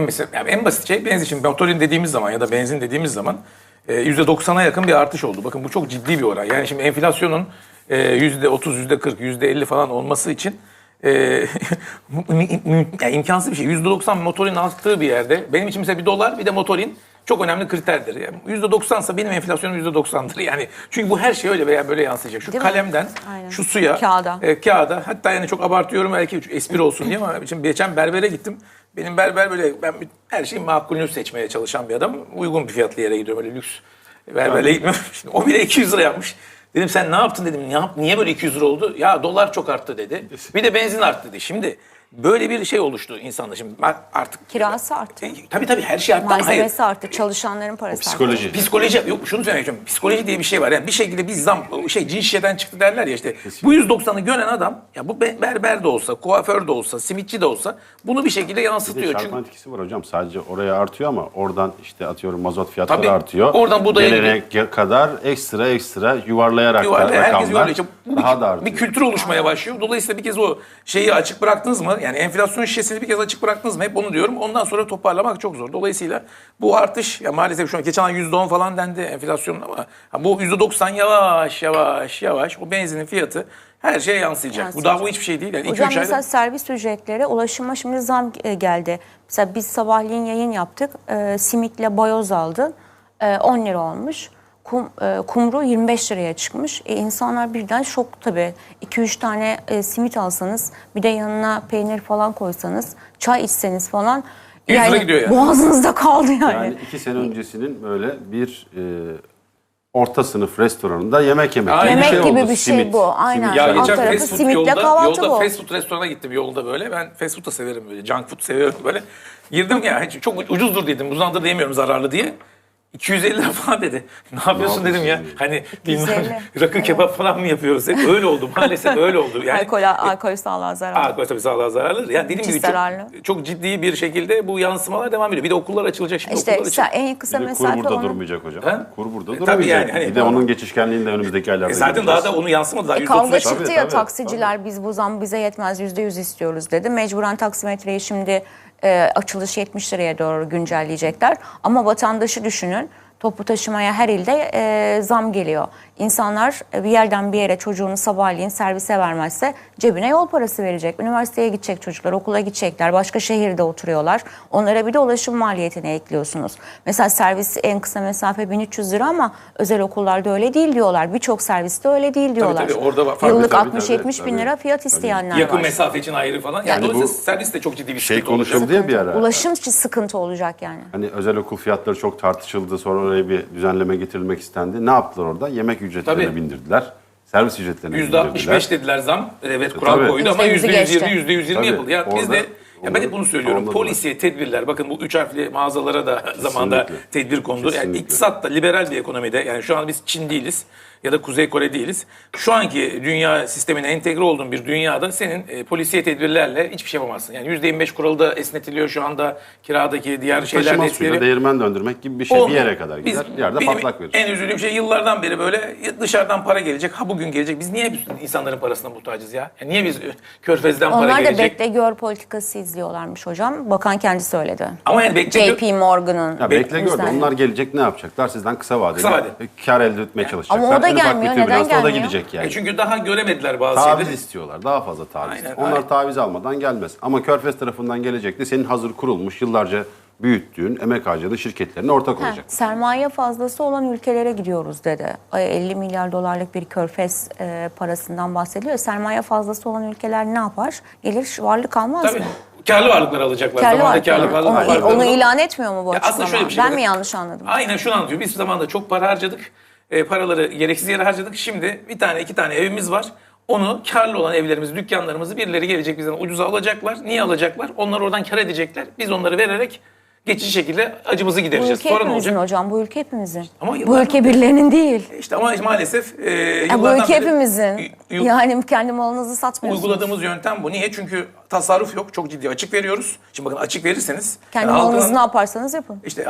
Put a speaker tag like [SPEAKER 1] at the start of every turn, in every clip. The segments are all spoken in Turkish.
[SPEAKER 1] en basit şey benzin. Şimdi motorin dediğimiz zaman ya da benzin dediğimiz zaman %90'a yakın bir artış oldu. Bakın bu çok ciddi bir oran. Yani şimdi enflasyonun %30, %40, %50 falan olması için yani imkansız bir şey. %90 motorin arttığı bir yerde benim için mesela bir dolar bir de motorin çok önemli kriterdir. Yani %90'sa benim enflasyonum %90'dır. Yani çünkü bu her şey öyle veya böyle yansıyacak. Şu kalemden şu suya, kağıda hatta yani çok abartıyorum belki espri olsun diye ama şimdi geçen berbere gittim. Benim berber böyle ben her şeyin makulünü seçmeye çalışan bir adam. Uygun bir fiyatlı yere gidiyorum öyle lüks berbere gitmiyorum. Şimdi o bile 200 lira yapmış. Dedim sen ne yaptın dedim. Niye böyle 200 lira oldu? Ya dolar çok arttı dedi. Bir de benzin arttı dedi. Şimdi böyle bir şey oluştu insanda. Şimdi artık
[SPEAKER 2] kirası arttı.
[SPEAKER 1] Tabii her şey arttı.
[SPEAKER 2] Malzemesi arttı. Çalışanların parası
[SPEAKER 3] psikoloji.
[SPEAKER 2] arttı.
[SPEAKER 1] Psikoloji. Yok şunu söylemek istiyorum. Psikoloji diye bir şey var. Yani bir şekilde bir zam cin şişeden çıktı derler ya işte. Bu 190'ı gören adam ya bu berber de olsa, kuaför de olsa, simitçi de olsa bunu bir şekilde yansıtıyor.
[SPEAKER 3] Bir de çarpma etkisi var hocam. Sadece oraya artıyor ama oradan işte atıyorum mazot fiyatları
[SPEAKER 1] tabii,
[SPEAKER 3] artıyor.
[SPEAKER 1] oradan budaya
[SPEAKER 3] gelene kadar ekstra yuvarlayarak da rakamlar
[SPEAKER 1] işte
[SPEAKER 3] daha da artıyor.
[SPEAKER 1] Bir kültür oluşmaya başlıyor. Dolayısıyla bir kez o şeyi açık bıraktınız mı? Yani enflasyon şişesini bir kez açık bıraktınız mı? Hep onu diyorum. Ondan sonra toparlamak çok zor. Dolayısıyla bu artış ya maalesef şu an geçen ay %10 falan dendi enflasyonun ama bu %90 yavaş o benzinin fiyatı her şeye yansıyacak. Bu daha hiçbir şey değil. Yani
[SPEAKER 2] hocam mesela servis ücretleri, ulaşıma şimdi zam geldi. Mesela biz sabahleyin yayın yaptık. Simitle bayoz aldı. 10 lira olmuş. Kumru 25 liraya çıkmış. İnsanlar birden şok tabii. 2-3 tane simit alsanız, bir de yanına peynir falan koysanız, çay içseniz falan.
[SPEAKER 1] 100 lira gidiyor yani.
[SPEAKER 2] Boğazınızda kaldı yani.
[SPEAKER 3] Yani 2 sene öncesinin böyle bir orta sınıf restoranında yemek yemek
[SPEAKER 1] Aynen.
[SPEAKER 3] gibi bir
[SPEAKER 2] Yemek
[SPEAKER 3] şey
[SPEAKER 2] gibi
[SPEAKER 3] oldu.
[SPEAKER 2] bir şey bu. Aynen.
[SPEAKER 1] Ya
[SPEAKER 2] Alt
[SPEAKER 1] geçen
[SPEAKER 2] tarafı
[SPEAKER 1] fast food
[SPEAKER 2] simitle kahvaltı
[SPEAKER 1] yolda
[SPEAKER 2] bu.
[SPEAKER 1] fast food restorana gittim yolda böyle. Ben fast food da severim böyle. Junk food seviyorum böyle. Girdim ya çok ucuzdur dedim. Uzandır diyemiyorum zararlı diye. 250 lira falan dedi. Ne yapıyorsun dedim ya. Hani bilmem rakı kebap falan mı yapıyoruz? Hep öyle oldu. Maalesef öyle oldu. Yani
[SPEAKER 2] Alkol sağlığa zararlı.
[SPEAKER 1] Alkol tabii sağlığa zararlı. Yani dediğim gibi çok ciddi bir şekilde bu yansımalar devam ediyor. Bir de okullar açılacak şimdi.
[SPEAKER 2] İşte en kısa
[SPEAKER 3] Bir de
[SPEAKER 2] mesafe
[SPEAKER 3] kur burada
[SPEAKER 2] onun...
[SPEAKER 3] durmayacak hocam. Kur burada durmayacak.
[SPEAKER 1] Tabii yani, hani,
[SPEAKER 3] bir de onun geçişkenliğini de önümüzdeki aylarda
[SPEAKER 1] zaten
[SPEAKER 3] göreceğiz.
[SPEAKER 1] daha da onu yansımadı. Daha
[SPEAKER 2] Kavga
[SPEAKER 1] %35.
[SPEAKER 2] çıktı ya taksiciler biz bu zam bize yetmez %100 istiyoruz dedi. Mecburen taksimetreyi şimdi açılış 70 liraya doğru güncelleyecekler. Ama vatandaşı düşünün. Toplu taşımaya her ilde zam geliyor. İnsanlar bir yerden bir yere çocuğunu sabahleyin servise vermezse cebine yol parası verecek. Üniversiteye gidecek çocuklar, okula gidecekler, başka şehirde oturuyorlar. Onlara bir de ulaşım maliyetini ekliyorsunuz. Mesela servis en kısa mesafe 1300 lira ama özel okullarda öyle değil diyorlar. Birçok serviste öyle değil diyorlar.
[SPEAKER 1] Tabii, orada
[SPEAKER 2] yıllık 60-70 bin lira fiyat isteyenler
[SPEAKER 1] yakın
[SPEAKER 2] var.
[SPEAKER 1] mesafe için ayrı falan. Yani dolayısıyla servis de çok ciddi bir
[SPEAKER 3] şey konuşuldu ya bir ara.
[SPEAKER 2] Ulaşım için sıkıntı olacak yani.
[SPEAKER 3] Hani özel okul fiyatları çok tartışıldı. Sonra oraya bir düzenleme getirilmek istendi. Ne yaptılar orada? Yemek ücretlerini bindirdiler. Servis ücretlerini bindirdiler.
[SPEAKER 1] %65 dediler zam. Evet kural koydu ama %120, %120 yapıldı. Ya biz de ben hep bunu söylüyorum. Polisiye tedbirler. Bakın bu 3 harfli mağazalara da zamanda tedbir kondu. Yani iktisat da liberal bir ekonomide. Yani şu an biz Çin değiliz ya da Kuzey Kore değiliz. Şu anki dünya sistemine entegre olduğun bir dünyada senin polisiye tedbirlerle hiçbir şey yapamazsın. Yani %25 kuralı da esnetiliyor şu anda kiradaki diğer şeyler de
[SPEAKER 3] Taşıma
[SPEAKER 1] esnetiliyor.
[SPEAKER 3] suyla değirmen döndürmek gibi bir şey bir yere kadar gider. Bir yerde patlak verir.
[SPEAKER 1] En üzüldüğüm şey yıllardan beri böyle dışarıdan para gelecek. Ha bugün gelecek. Biz niye insanların parasına muhtacız ya? Yani niye biz Körfez'den para gelecek?
[SPEAKER 2] Onlar da bekle gör politikası izliyorlarmış hocam. Bakan kendisi söyledi.
[SPEAKER 1] Ama yani
[SPEAKER 2] JP Morgan'ın.
[SPEAKER 3] Bekle gör de onlar gelecek ne yapacaklar? Sizden kısa vadeli kar elde etmeye çalışacaklar.
[SPEAKER 2] Ama o da gelmiyor. Neden gelmiyor?
[SPEAKER 3] O da gidecek yani.
[SPEAKER 1] Çünkü daha göremediler bazı
[SPEAKER 3] taviz
[SPEAKER 1] şeyleri.
[SPEAKER 3] istiyorlar. Daha fazla taviz.
[SPEAKER 1] Aynen,
[SPEAKER 3] onlar taviz almadan gelmez. Ama Körfez tarafından gelecek de senin hazır kurulmuş, yıllarca büyüttüğün, emek harcadığın şirketlerine ortak olacak.
[SPEAKER 2] Sermaye fazlası olan ülkelere gidiyoruz dedi. 50 milyar dolarlık bir Körfez parasından bahsediyor. Sermaye fazlası olan ülkeler ne yapar? Gelir varlık almaz mı?
[SPEAKER 1] Karlı varlıklar alacaklar.
[SPEAKER 2] Onu ilan etmiyor mu bu açıklama?
[SPEAKER 1] Aslında şöyle bir şey
[SPEAKER 2] ben mi yanlış anladım?
[SPEAKER 1] Aynen şunu anlatıyor. Biz zamanında çok para harcadık. Paraları gereksiz yere harcadık. Şimdi bir tane iki tane evimiz var. Onu karlı olan evlerimizi, dükkanlarımızı birileri gelecek bizden ucuza alacaklar. Niye alacaklar? Onlar oradan kar edecekler. Biz onları vererek geçici şekilde acımızı gidereceğiz.
[SPEAKER 2] Bu ülke
[SPEAKER 1] sonra
[SPEAKER 2] hepimizin hocam. Bu ülke hepimizin.
[SPEAKER 1] Ama
[SPEAKER 2] bu ülke birilerinin değil.
[SPEAKER 1] İşte ama maalesef
[SPEAKER 2] bu ülke hepimizin. Yani kendi malınızı satmıyorsunuz.
[SPEAKER 1] Uyguladığımız yöntem bu. Niye? Çünkü tasarruf yok. Çok ciddi açık veriyoruz. Şimdi bakın açık verirseniz.
[SPEAKER 2] Kendi malınızı ne yaparsanız yapın.
[SPEAKER 1] İşte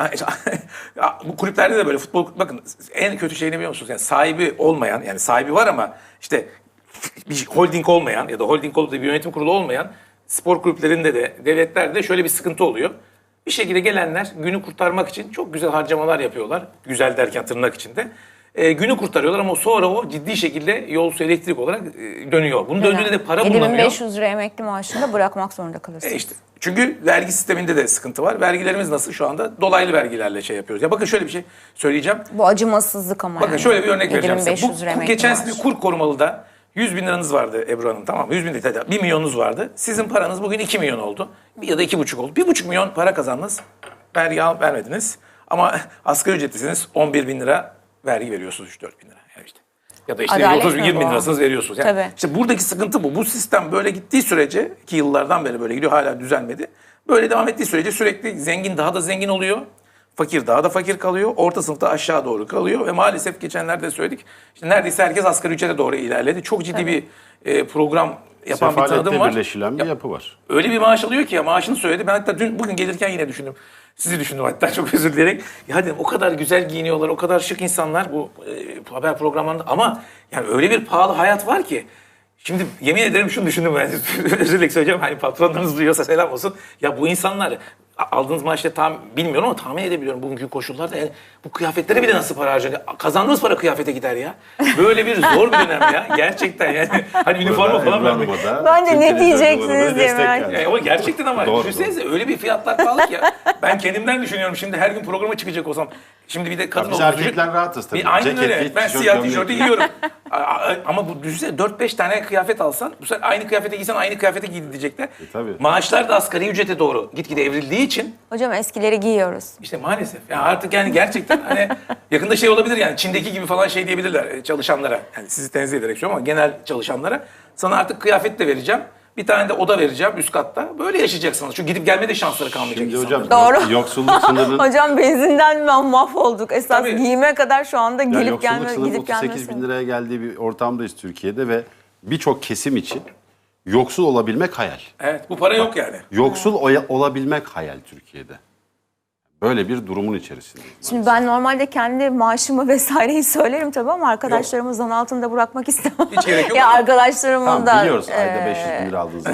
[SPEAKER 1] bu kulüplerde de böyle futbol bakın en kötü şey ne biliyor musunuz? Yani sahibi olmayan yani sahibi var ama işte bir holding olmayan ya da holding olup da bir yönetim kurulu olmayan spor kulüplerinde de devletlerde de şöyle bir sıkıntı oluyor. Bir şekilde gelenler günü kurtarmak için çok güzel harcamalar yapıyorlar. Güzel derken tırnak içinde. Günü kurtarıyorlar ama sonra o ciddi şekilde yol su elektrik olarak dönüyor. Bunun döndüğünde de para bulunamıyor.
[SPEAKER 2] 7500 lira emekli maaşında bırakmak zorunda kalırsınız.
[SPEAKER 1] İşte çünkü vergi sisteminde de sıkıntı var. Vergilerimiz nasıl şu anda? Dolaylı vergilerle şey yapıyoruz. Ya bakın şöyle bir şey söyleyeceğim.
[SPEAKER 2] Bu acımasızlık ama
[SPEAKER 1] Bakın
[SPEAKER 2] yani.
[SPEAKER 1] şöyle bir örnek vereceğim size.
[SPEAKER 2] 7500 lira
[SPEAKER 1] Bu
[SPEAKER 2] emekli
[SPEAKER 1] geçen
[SPEAKER 2] maaş.
[SPEAKER 1] sene kur korumalıda 100 bin liranız vardı Ebru Hanım, tamam mı? 100 bin değil, 1 milyonunuz vardı. Sizin paranız bugün 2 milyon oldu. Ya da 2,5 oldu. 1,5 milyon para kazandınız. Vergi vermediniz. Ama asgari ücretlisiniz, 11 bin lira vergi veriyorsunuz, 3-4 bin lira. Yani işte. Ya da işte
[SPEAKER 2] Adalet
[SPEAKER 1] 30 bin,
[SPEAKER 2] mi
[SPEAKER 1] 20 bin
[SPEAKER 2] bu?
[SPEAKER 1] lirasınız veriyorsunuz. Yani
[SPEAKER 2] Tabii.
[SPEAKER 1] işte buradaki sıkıntı bu. Bu sistem böyle gittiği sürece, ki yıllardan beri böyle gidiyor, hala düzelmedi. Böyle devam ettiği sürece sürekli zengin daha da zengin oluyor. Fakir daha da fakir kalıyor. Orta sınıfta aşağı doğru kalıyor. Ve maalesef geçenlerde söyledik, işte neredeyse herkes asgari ücrete doğru ilerledi. Çok ciddi bir program yapan bir tanıdım
[SPEAKER 3] Sefaletle
[SPEAKER 1] var.
[SPEAKER 3] birleşilen bir yapı var.
[SPEAKER 1] Öyle bir maaş alıyor ki ya, maaşını söyledi. Ben hatta bugün gelirken yine düşündüm. Sizi düşündüm hatta, çok özür dileyerek. Ya dedim, o kadar güzel giyiniyorlar, o kadar şık insanlar bu haber programlarında. Ama yani öyle bir pahalı hayat var ki. Şimdi yemin ederim şunu düşündüm ben. Özür dilerim söyleyeceğim. Hani patronlarınız duyuyorsa selam olsun. Ya bu insanlar aldığınız maaşla tam bilmiyorum ama tahmin edebiliyorum bugünkü koşullarda. Yani bu kıyafetlere bile nasıl para harcanıyor? Kazandığınız para kıyafete gider ya. Böyle bir zor bir dönem ya. Gerçekten yani. Hani üniforma falan vermek.
[SPEAKER 2] Bence ne diyeceksiniz diye merak
[SPEAKER 1] Yani ama gerçekten ama
[SPEAKER 3] Doğru,
[SPEAKER 1] düşünsenize öyle bir fiyatlar pahalı ki ya. Ben kendimden düşünüyorum şimdi, her gün programa çıkacak olsam. Şimdi bir de kadın
[SPEAKER 3] Biz
[SPEAKER 1] olduğu
[SPEAKER 3] erkekler rahatız tabii.
[SPEAKER 1] Aynen öyle.
[SPEAKER 3] Ceketi,
[SPEAKER 1] Ben
[SPEAKER 3] tişört,
[SPEAKER 1] siyah
[SPEAKER 3] gömlek.
[SPEAKER 1] tişörtü giyiyorum. Ama bu düşünsene 4-5 tane kıyafet alsan, bu sefer aynı kıyafete giysen aynı kıyafete giy diyecekler.
[SPEAKER 3] Tabii.
[SPEAKER 1] Maaşlar da asgari ücrete doğru gitgide evrildiği için
[SPEAKER 2] Hocam eskileri giyiyoruz.
[SPEAKER 1] işte maalesef. Yani artık yani gerçekten hani yakında şey olabilir yani, Çin'deki gibi falan şey diyebilirler çalışanlara. Yani sizi tenzih ederek söylüyorum ama genel çalışanlara. Sana artık kıyafet de vereceğim. Bir tane de oda vereceğim üst katta. Böyle yaşayacaksınız. Çünkü gidip gelme de şansları kalmayacak
[SPEAKER 3] Şimdi
[SPEAKER 1] insanların.
[SPEAKER 3] hocam
[SPEAKER 2] Doğru.
[SPEAKER 3] yoksulluk sınırının
[SPEAKER 2] Hocam benzinden mahvolduk. Esas
[SPEAKER 1] Tabii.
[SPEAKER 2] giyime kadar şu anda
[SPEAKER 3] Ya
[SPEAKER 2] gelip
[SPEAKER 3] yoksulluk
[SPEAKER 2] gelme,
[SPEAKER 3] sınırının
[SPEAKER 2] gidip
[SPEAKER 3] 38 bin
[SPEAKER 2] gelmesi.
[SPEAKER 3] liraya geldiği bir ortamdayız Türkiye'de ve birçok kesim için yoksul olabilmek hayal.
[SPEAKER 1] Evet, bu para yok yani.
[SPEAKER 3] Yoksul olabilmek hayal Türkiye'de. Böyle bir durumun içerisindeyiz.
[SPEAKER 2] Şimdi ben normalde kendi maaşımı vesaireyi söylerim tabii ama arkadaşlarımı zan altında bırakmak istemem.
[SPEAKER 1] Hiç gerek yok
[SPEAKER 2] Ya
[SPEAKER 1] ama.
[SPEAKER 2] arkadaşlarımın
[SPEAKER 3] Tamam
[SPEAKER 2] da
[SPEAKER 3] biliyoruz ayda 500 bin lira aldığınızı.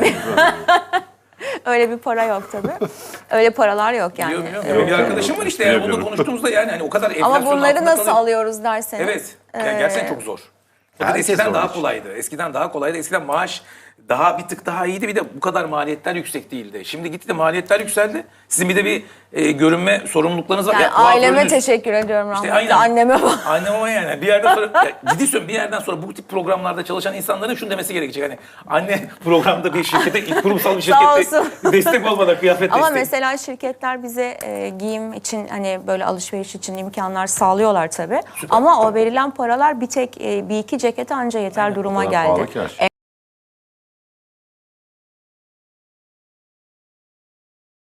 [SPEAKER 2] öyle bir para yok tabii. Öyle paralar yok yani.
[SPEAKER 1] Biliyorum. Benim bir arkadaşım var işte, yani bunu konuştuğumuzda yani hani o kadar enflasyonun
[SPEAKER 2] Ama bunları
[SPEAKER 1] altında
[SPEAKER 2] nasıl
[SPEAKER 1] kalıyor.
[SPEAKER 2] alıyoruz derseniz.
[SPEAKER 1] Evet. Yani gerçekten çok zor. Fakat
[SPEAKER 3] Herkes
[SPEAKER 1] eskiden
[SPEAKER 3] zor
[SPEAKER 1] daha
[SPEAKER 3] iş.
[SPEAKER 1] kolaydı. Eskiden maaş bir tık daha iyiydi. Bir de bu kadar maliyetler yüksek değildi. Şimdi gitti de maliyetler yükseldi. Sizin bir de bir görünme sorumluluklarınız var.
[SPEAKER 2] Yani
[SPEAKER 1] Ya,
[SPEAKER 2] aileme
[SPEAKER 1] kuaförünüz-
[SPEAKER 2] teşekkür ediyorum
[SPEAKER 1] İşte
[SPEAKER 2] rahmetli.
[SPEAKER 1] aynen.
[SPEAKER 2] Anneme bak.
[SPEAKER 1] Annem ama yani bir yerden sonra ciddi söylüyorum, bir yerden sonra bu tip programlarda çalışan insanların şunu demesi gerekecek. Hani anne programda bir şirkete, kurumsal bir
[SPEAKER 2] Sağ
[SPEAKER 1] şirkette
[SPEAKER 2] olsun.
[SPEAKER 1] destek olmadan kıyafet
[SPEAKER 2] Ama
[SPEAKER 1] desteği.
[SPEAKER 2] mesela şirketler bize giyim için hani böyle alışveriş için imkanlar sağlıyorlar tabii. Ama o verilen paralar bir tek bir iki cekete anca yeter duruma
[SPEAKER 3] O kadar pahalı
[SPEAKER 2] geldi.
[SPEAKER 3] ki her şey.